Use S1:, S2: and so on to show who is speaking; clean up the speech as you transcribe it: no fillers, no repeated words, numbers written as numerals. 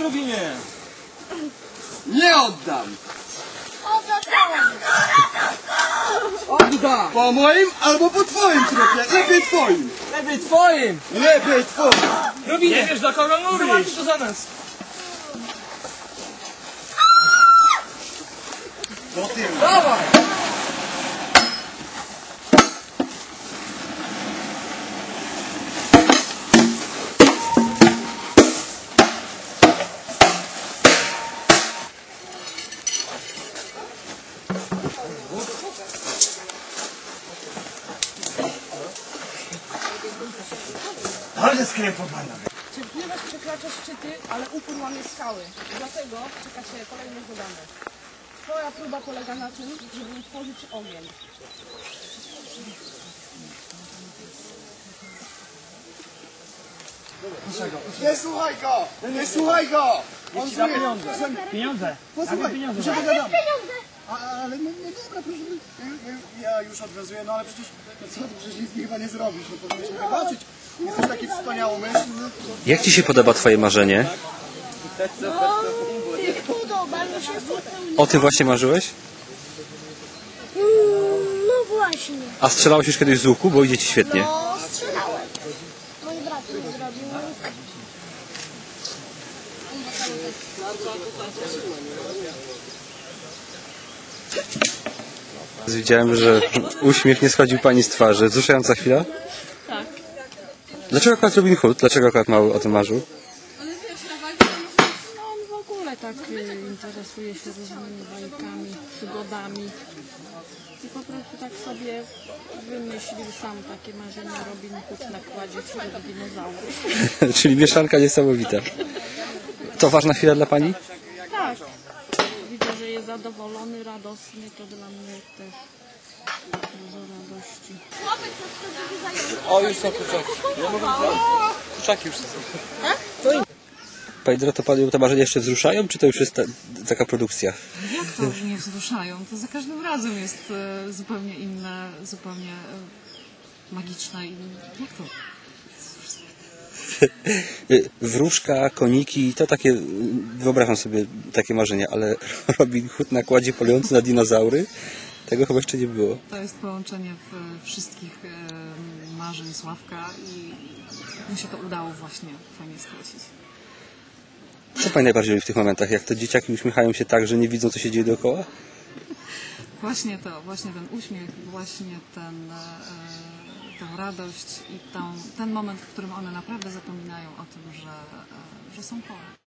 S1: Robinie!
S2: Nie oddam!
S1: Odda!
S2: Po moim albo po twoim trupie. Lepiej twoim.
S1: Lepiej twoim!
S2: Lepiej twoim.
S1: Robinie! Nie wiesz, do kogo mówisz? Zobaczysz to za nas!
S2: Do tyłu.
S1: Dawaj!
S2: Ale skryję pod manem.
S3: Cierpliwość przekracza szczyty, ale upór łamie skały. Dlatego czeka Cię kolejne zadanie. Twoja próba polega na tym, żeby utworzyć ogień.
S2: Nie słuchaj go! Nie słuchaj go! On
S1: Da pieniądze. Pieniądze.
S2: Posłuchaj,
S1: Pieniądze.
S2: się dogadamy. Ale no dobra, proszę, ja już odwiązuję, no ale przecież, no co, przecież nic mi chyba nie zrobisz, no powinieneś mi wybaczyć. Jesteś taki wspaniałomyślny.
S4: Jak ci się podoba twoje marzenie?
S5: Podoba mi się zupełnie.
S4: O tym właśnie marzyłeś?
S5: No właśnie.
S4: A strzelałeś już kiedyś z łuku, bo idzie ci świetnie.
S5: No, strzelałem. Mój brat mi zrobił łuk.
S4: Widziałem, że uśmiech nie schodził pani z twarzy. Wzruszająca chwila?
S3: Tak.
S4: Dlaczego akurat Robin Hood? Dlaczego akurat Mały o tym marzył?
S3: No on w ogóle tak interesuje się różnymi bajkami, przygodami. I po prostu tak sobie wymyślił sam takie marzenia Robin Hood na kładzie wśród dinozaurów.
S4: Czyli mieszanka niesamowita. To ważna chwila dla pani?
S3: Tak. Widzę, że jest zadowolony, radosny, to dla mnie też dużo radości.
S1: O, już są kurczaki. Ja mogę wziąć. Kurczaki już są.
S4: Pani Doroto, panią te marzenia jeszcze wzruszają, czy to już jest taka produkcja?
S6: Jak to nie wzruszają? To za każdym razem jest zupełnie inne, zupełnie magiczne. I jak to?
S4: Wróżka, koniki, to takie, wyobrażam sobie takie marzenia, ale Robin Hood na kładzie polujący na dinozaury? Tego chyba jeszcze nie było.
S6: To jest połączenie wszystkich marzeń Sławka i mu się to udało właśnie fajnie skrócić.
S4: Co pani najbardziej lubi w tych momentach? Jak to dzieciaki uśmiechają się tak, że nie widzą, co się dzieje dookoła?
S6: Właśnie to, właśnie ten uśmiech, właśnie tę radość i ten moment, w którym one naprawdę zapominają o tym, że są chore.